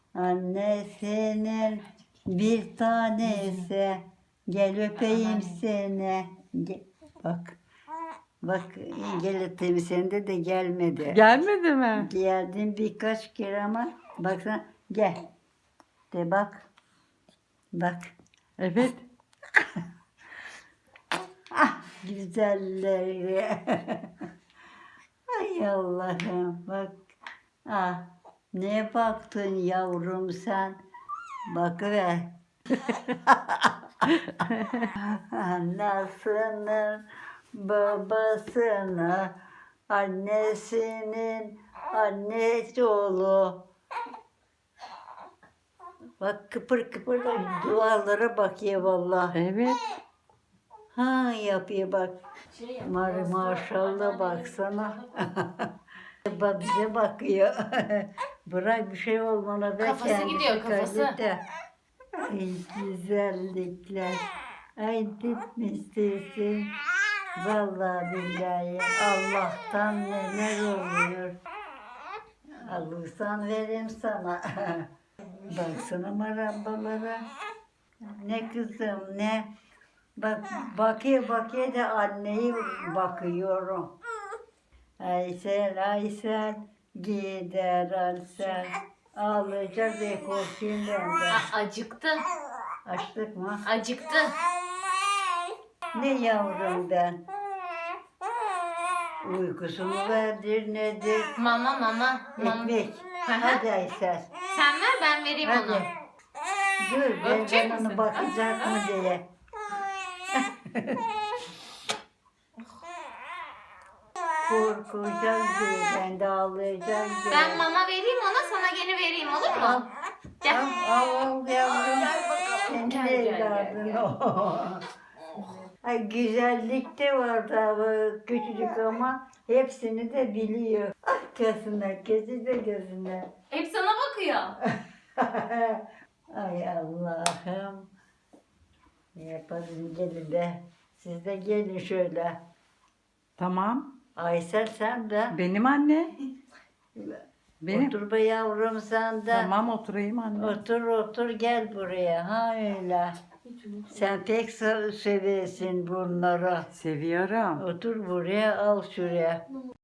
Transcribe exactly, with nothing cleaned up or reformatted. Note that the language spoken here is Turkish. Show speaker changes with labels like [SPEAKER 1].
[SPEAKER 1] Annesinin bir tanesi. Gel öpeyim seni. Ge- Bak. Bak gel öpeyim sende de gelmedi.
[SPEAKER 2] Gelmedi mi?
[SPEAKER 1] Geldin birkaç kere ama baksana gel. De bak. Bak.
[SPEAKER 2] Evet.
[SPEAKER 1] Ah güzelleri. Ay Allah'ım bak. Ah ne baktın yavrum sen. Bakıver. Anasının babasını annesinin annesi oğlu. Bak kıpır kıpır da dualara bakıyor vallahi.
[SPEAKER 2] Evet.
[SPEAKER 1] Ha yapıyor bak. Mar maşallah baksana. Bak bize bakıyor. Bırak bir şey olmana be
[SPEAKER 3] Kafası
[SPEAKER 1] kendisi
[SPEAKER 3] gidiyor, kafası.
[SPEAKER 1] kaybeder. Ay güzellikler. Ay gitmişsin. Vallahi billahi Allah'tan neler oluyor. Alırsan vereyim sana. Baksana marambalara. Ne kızım ne. Bak bakıyor bakıyor da anneyi bakıyorum. Aysel Aysel gider Aysel. Ağlayacak diye korkuyorum ben de.
[SPEAKER 3] A- acıktı.
[SPEAKER 1] Açtık mı?
[SPEAKER 3] Acıktı.
[SPEAKER 1] Ne yavrum ben? Uykusunu verdir nedir?
[SPEAKER 3] Mama mama. mama.
[SPEAKER 1] Ekmek.
[SPEAKER 3] Hı hı.
[SPEAKER 1] Hadi Aysel.
[SPEAKER 3] Sen ver ben vereyim onu.
[SPEAKER 1] Hadi. Dur ben
[SPEAKER 3] Öpecek
[SPEAKER 1] ben onu
[SPEAKER 3] misin?
[SPEAKER 1] bakacak mı diye. Korkacak diye ben de ağlayacak diye.
[SPEAKER 3] Ben mama vereyim ona sana gene vereyim olur
[SPEAKER 1] Al,
[SPEAKER 3] mu? Gel.
[SPEAKER 1] al, al yavrum. Senin
[SPEAKER 3] Gel, gel, gel,
[SPEAKER 1] evladın
[SPEAKER 3] gel.
[SPEAKER 1] o. Ay güzellik de var tabi küçücük ama hepsini de biliyor. Ah gözüne, gözü de gözüne.
[SPEAKER 3] Hep sana bakıyor.
[SPEAKER 1] Ay Allah'ım. Ne yapalım gelin de. Siz de gelin şöyle.
[SPEAKER 2] Tamam.
[SPEAKER 1] Aysel sen de.
[SPEAKER 2] Benim anne. Benim.
[SPEAKER 1] Otur be yavrum sen de.
[SPEAKER 2] Tamam oturayım anne.
[SPEAKER 1] Otur otur gel buraya. Ha öyle. Sen pek se- seversin bunları.
[SPEAKER 2] Seviyorum.
[SPEAKER 1] Otur buraya al şuraya.